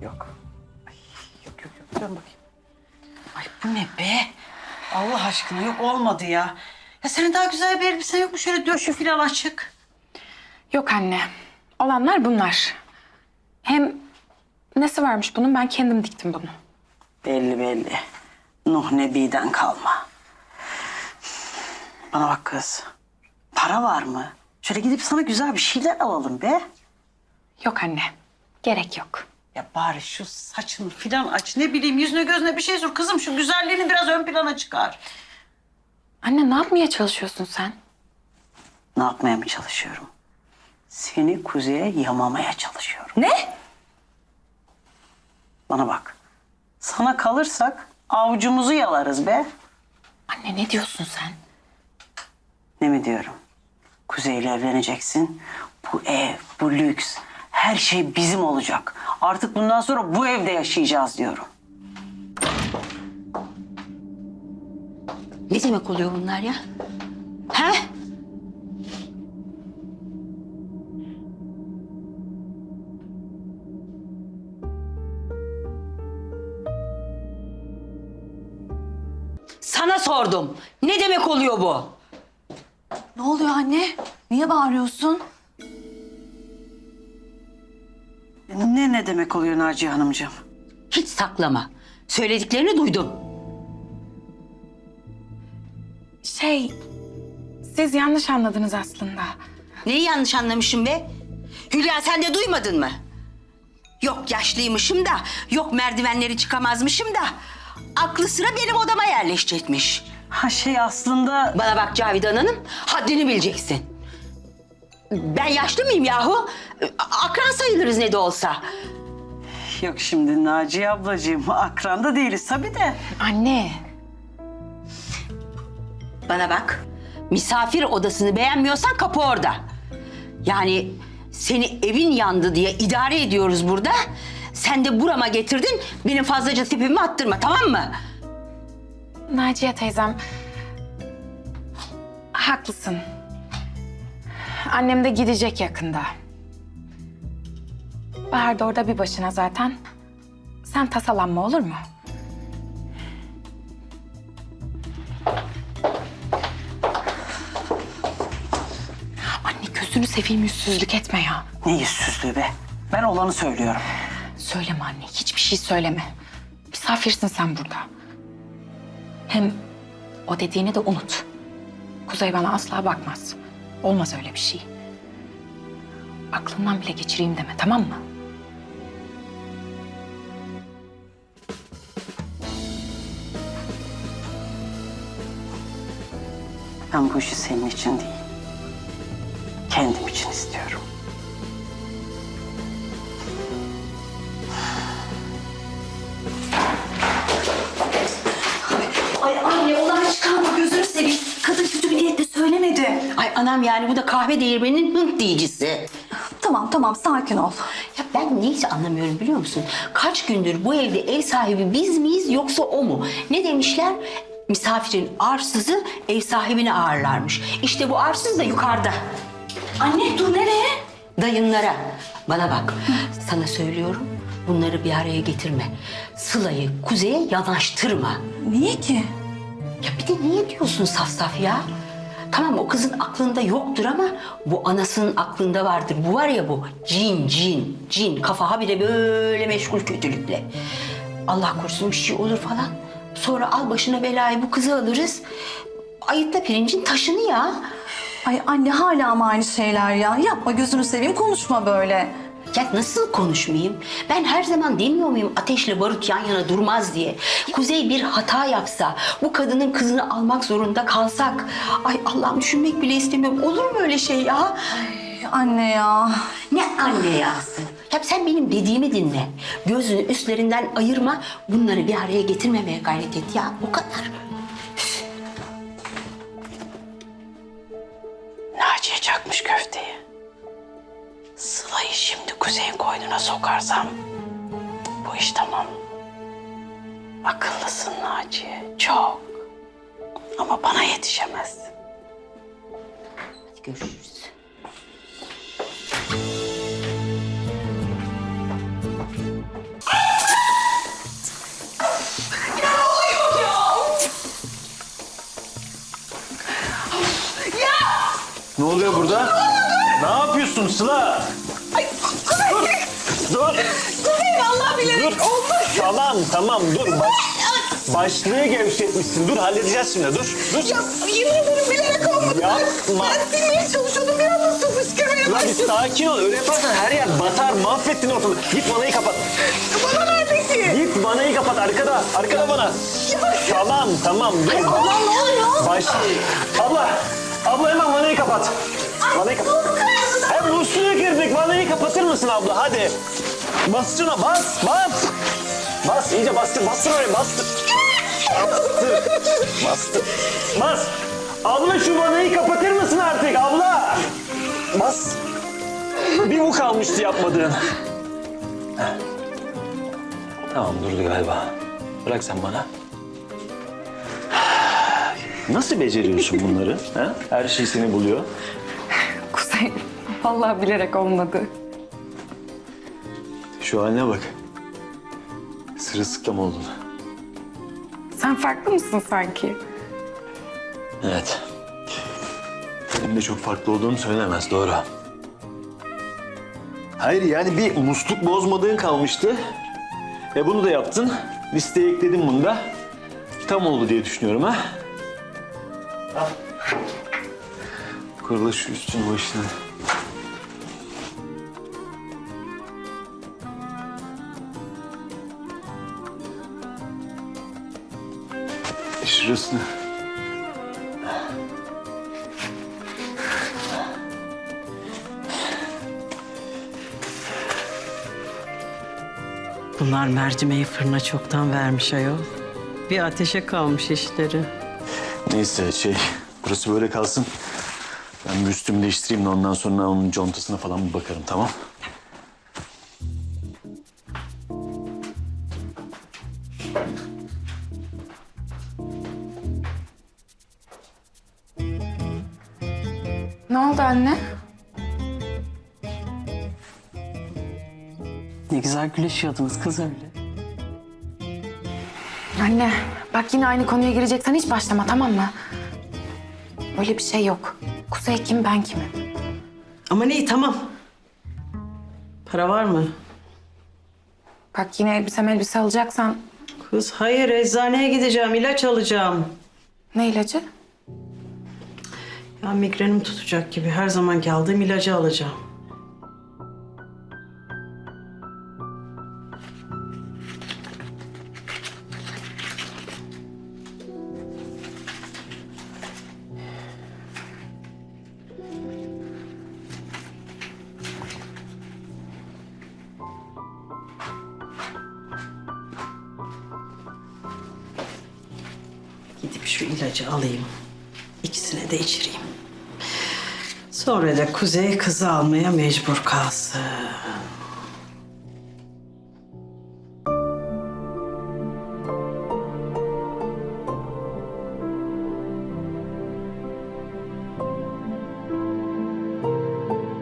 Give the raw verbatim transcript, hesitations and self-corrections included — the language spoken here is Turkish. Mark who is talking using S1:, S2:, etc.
S1: Yok. Ay, yok yok yok. Dön bakayım. Ay bu ne be? Allah aşkına yok olmadı ya. Ya senin daha güzel bir elbisen yok mu? Şöyle döşü falan açık.
S2: Yok anne. Olanlar bunlar. Hem nesi varmış bunun? Ben kendim diktim bunu.
S1: Belli belli. Nuh Nebi'den kalma. Bana bak kız. Para var mı? Şöyle gidip sana güzel bir şeyler alalım be.
S2: Yok anne. Gerek yok.
S1: Ya bari şu saçını filan aç. Ne bileyim yüzüne gözüne bir şey sür. Kızım şu güzelliğini biraz ön plana çıkar.
S2: Anne ne yapmaya çalışıyorsun sen?
S1: Ne yapmaya mı çalışıyorum? Seni kuzeye yamamaya çalışıyorum.
S2: Ne?
S1: Bana bak. Sana kalırsak avucumuzu yalarız be.
S2: Anne ne diyorsun sen?
S1: Ne mi diyorum? Kuzey'le evleneceksin. Bu ev, bu lüks, her şey bizim olacak. Artık bundan sonra bu evde yaşayacağız diyorum.
S3: Ne demek oluyor bunlar ya? He? Sana sordum. Ne demek oluyor bu?
S4: Ne oluyor anne? Niye bağırıyorsun?
S1: Ne ne demek oluyor Naciye Hanımcığım?
S3: Hiç saklama. Söylediklerini duydum.
S2: Şey, siz yanlış anladınız aslında.
S3: Neyi yanlış anlamışım be? Hülya sen de duymadın mı? Yok yaşlıymışım da, yok merdivenleri çıkamazmışım da... ...aklı sıra benim odama yerleşecekmiş.
S1: Ha şey aslında...
S3: Bana bak Cavidan Hanım, haddini bileceksin. Ben yaşlı mıyım yahu? Akran sayılırız ne de olsa.
S1: Yok şimdi Naciye ablacığım, akran da değiliz tabii de.
S2: Anne.
S3: Bana bak, misafir odasını beğenmiyorsan kapı orada. Yani seni evin yandı diye idare ediyoruz burada. Sen de burama getirdin, benim fazlaca tipimi attırma, tamam mı?
S2: Naciye teyzem. Haklısın. Annem de gidecek yakında. Bahar da orada bir başına zaten. Sen tasalanma olur mu? Anne gözünü seveyim yüzsüzlük etme ya.
S1: Ne yüzsüzlüğü be? Ben olanı söylüyorum.
S2: Söyleme anne, hiçbir şey söyleme. Misafirsin sen burada. Hem o dediğini de unut. Kuzey bana asla bakmaz. Olmaz öyle bir şey. Aklından bile geçireyim deme, tamam mı?
S1: Ben bu işi senin için değil, kendim için istiyorum.
S4: Ay anne olay çıkarma gözünü seveyim. Kadın kötü bir niyetle söylemedi.
S3: Ay anam yani bu da kahve değirmeninin hınt diyicisi.
S4: Tamam tamam sakin ol.
S3: Ya ben neyse anlamıyorum biliyor musun? Kaç gündür bu evde ev sahibi biz miyiz yoksa o mu? Ne demişler? Misafirin arsızı ev sahibini ağırlarmış. İşte bu arsız da yukarıda.
S4: Anne dur nereye?
S3: Dayınlara. Bana bak, sana söylüyorum. Bunları bir araya getirme. Sıla'yı Kuzey'e yanaştırma.
S4: Niye ki?
S3: Ya bir de niye diyorsun saf saf ya? Tamam o kızın aklında yoktur ama bu anasının aklında vardır. Bu var ya bu cin cin cin kafa habire böyle meşgul kötülükle. Allah korusun bir şey olur falan. Sonra al başına belayı bu kızı alırız. Ayıtla pirincin taşını ya.
S4: Ay anne hala ama aynı şeyler ya. Yapma gözünü seveyim konuşma böyle.
S3: Ya nasıl konuşmayayım? Ben her zaman demiyor muyum ateşle barut yan yana durmaz diye. Kuzey bir hata yapsa, bu kadının kızını almak zorunda kalsak... Ay Allah'ım düşünmek bile istemiyorum. Olur mu öyle şey ya?
S4: Ay, anne ya.
S3: Ne anne yası? Ya sen benim dediğimi dinle. Gözünü üstlerinden ayırma. Bunları bir araya getirmemeye gayret et ya. O kadar.
S1: Naciye çakmış köfteyi. Sıla'yı şimdi Kuzey'in koynuna sokarsam bu iş tamam. Akıllısın Naciye, çok. Ama bana yetişemezsin.
S3: Hadi görüşürüz.
S1: Ay
S5: oluyor burada? Ne yapıyorsun Sıla?
S6: Ay,
S5: Dur. Dur.
S6: Kuzey vallahi bilerek
S5: Dur.
S6: olmaz.
S5: Tamam tamam dur. Baş, başlığı gevşetmişsin. Dur halledeceğiz şimdi. Dur. Dur.
S6: Ya yemin ederim bilerek olmadı.
S5: Yapma.
S6: Ben silmeye çalışıyordum bir anda su fışkırmaya
S5: Ulan bir
S6: başladı.
S5: sakin ol. Öyle yaparsan her yer batar. Mahvettin ortalığı. Git vanayı kapat.
S6: Bana nerede ki?
S5: Git vanayı kapat. Arkada. Arkada bana. Tamam tamam. Dur.
S6: Allah ne oluyor?
S5: Baş... Abla. Abla hemen vanayı kapat. Vanayı kapat. Hem musluğu girdik. Vanayı kapatır mısın abla? Hadi. Bas şuna. Bas. Bas. Bas. iyice bastır. Bastır oraya. Bastır. Bastır. Bastır. Bas. Abla şu vanayı kapatır mısın artık abla? Bas. Bir bu kalmıştı yapmadığın. Heh. Tamam durdu galiba. Bırak sen bana. Nasıl beceriyorsun bunları? Ha? Her şey seni buluyor.
S2: Kuzey, vallahi bilerek olmadı.
S5: Şu haline bak. Sırılsıklam oldun.
S2: Sen farklı mısın sanki?
S5: Evet. Benim de çok farklı olduğum söylenemez, doğru. Hayır yani bir musluk bozmadığın kalmıştı. E bunu da yaptın. Listeye ekledim bunu da. Tam oldu diye düşünüyorum ha. Al. Kurula şu üstünü başına. Şurasını.
S7: Bunlar mercimeği fırına çoktan vermiş ayol. Bir ateşe kalmış işleri.
S5: Neyse şey, burası böyle kalsın. Ben bir üstümü değiştireyim de ondan sonra onun contasına falan bir bakarım, tamam?
S2: Ne oldu anne?
S7: Ne güzel güleşiyordunuz kız öyle.
S2: Anne, bak yine aynı konuya gireceksen hiç başlama, tamam mı? Öyle bir şey yok. Kuzey kim, ben kimim?
S7: Ama iyi tamam. Para var mı?
S2: Bak yine elbise elbise alacaksan
S7: Kız hayır eczaneye gideceğim ilaç alacağım.
S2: ne ilacı?
S7: Ya migrenim tutacak gibi her zamanki aldığım ilacı alacağım. Gidip şu ilacı alayım. İkisine de içireyim. Sonra da Kuzey kızı almaya mecbur kalsın.